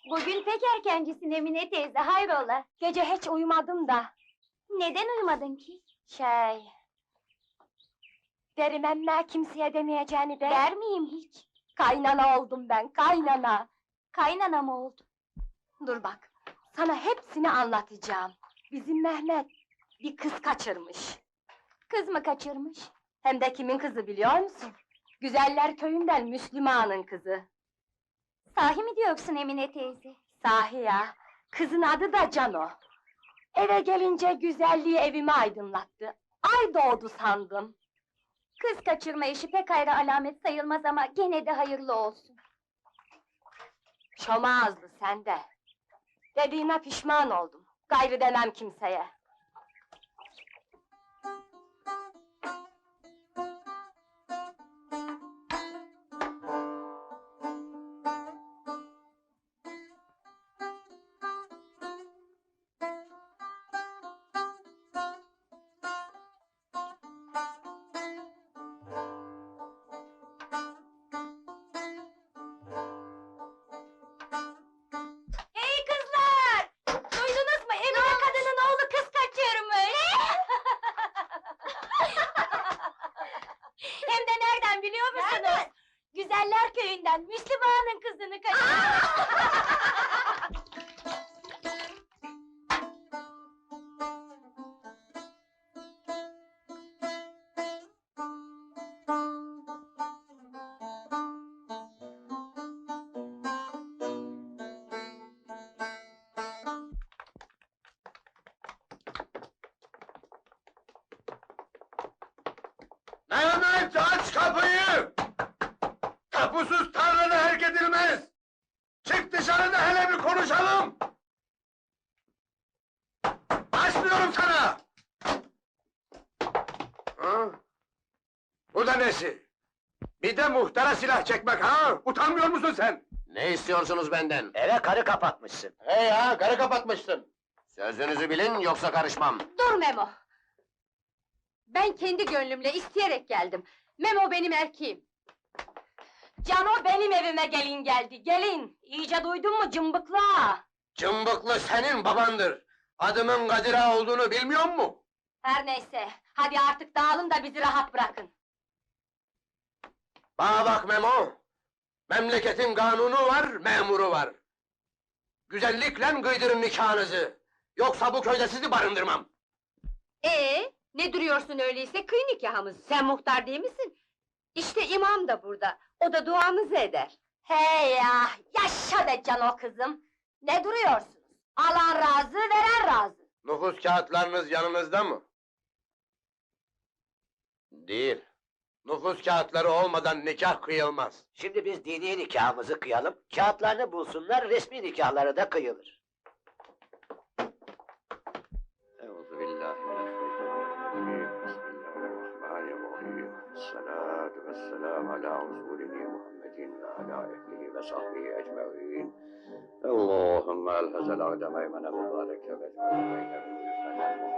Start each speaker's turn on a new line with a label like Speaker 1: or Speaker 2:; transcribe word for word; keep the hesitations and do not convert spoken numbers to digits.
Speaker 1: Bugün pek erkencisin Emine teyze, hayrola?
Speaker 2: Gece hiç uyumadım da.
Speaker 1: Neden uyumadın ki?
Speaker 2: Şey... Derim emme kimseye demeyeceğini de...
Speaker 1: Der miyim hiç?
Speaker 2: Kaynana oldum ben, kaynana!
Speaker 1: Kaynana mı oldu?
Speaker 2: Dur bak, sana hepsini anlatacağım. Bizim Mehmet bir kız kaçırmış.
Speaker 1: Kız mı kaçırmış?
Speaker 2: Hem de kimin kızı biliyor musun? Güzeller köyünden Müslüman'ın kızı.
Speaker 1: Sahi mi diyorsun Emine teyze?
Speaker 2: Sahi ya, kızın adı da Cano. Eve gelince güzelliği evimi aydınlattı. Ay doğdu sandım.
Speaker 1: Kız kaçırma işi pek ayrı alamet sayılmaz ama gene de hayırlı olsun.
Speaker 2: Şoma ağızlı sen de. Dediğime pişman oldum. Gayrı demem kimseye.
Speaker 1: Hey kızlar! Duydunuz mu? Emine kadının oğlu kız kaçırmış! Hem de nereden biliyor musunuz?
Speaker 2: Nereden?
Speaker 1: Güzeller köyünden, Müslüm Ağa'nın kızını kaçırmış!
Speaker 3: Mehmet, aç kapıyı! Kapısız tarlada herk edilmez! Çık dışarıda hele bir konuşalım! Açmıyorum sana! Ha? Bu da nesi? Bir de muhtara silah çekmek ha? Utanmıyor musun sen?
Speaker 4: Ne istiyorsunuz benden?
Speaker 3: Eve karı kapatmışsın.
Speaker 4: He ya, karı kapatmışsın. Sözünüzü bilin, yoksa karışmam.
Speaker 2: Dur Memo! Ben kendi gönlümle isteyerek geldim. Memo benim erkeğim. Cano benim evime gelin geldi, gelin! İyice duydun mu cımbıkla?
Speaker 4: Cımbıklı senin babandır. Adımın Kadir Ağa olduğunu bilmiyor mu?
Speaker 2: Her neyse, hadi artık dağılın da bizi rahat bırakın.
Speaker 4: Bana bak Memo! Memleketin kanunu var, memuru var. Güzellikle kıydırın nikahınızı. Yoksa bu köyde sizi barındırmam.
Speaker 2: Ee, ne duruyorsun öyleyse, kıy nikahımız. Sen muhtar değil misin? İşte imam da burada, o da duamızı eder. Hey ya, yaşa be Cano kızım! Ne duruyorsunuz? Alan razı, veren razı.
Speaker 4: Nüfus kağıtlarınız yanınızda mı? Değil. Nüfus kağıtları olmadan nikah kıyılmaz.
Speaker 5: Şimdi biz dini nikahımızı kıyalım, kağıtlarını bulsunlar, resmi nikahları da kıyılır.
Speaker 4: Euzubillahimineşşeytanirracim. Bismillahirrahmanirrahim. Esselatu vesselamu ala Resulina Muhammedin ve ala ehlihi ve sahbihi ecmaîn. Allahümme elhazel a'deme eymene mübareke ve ecmaîn.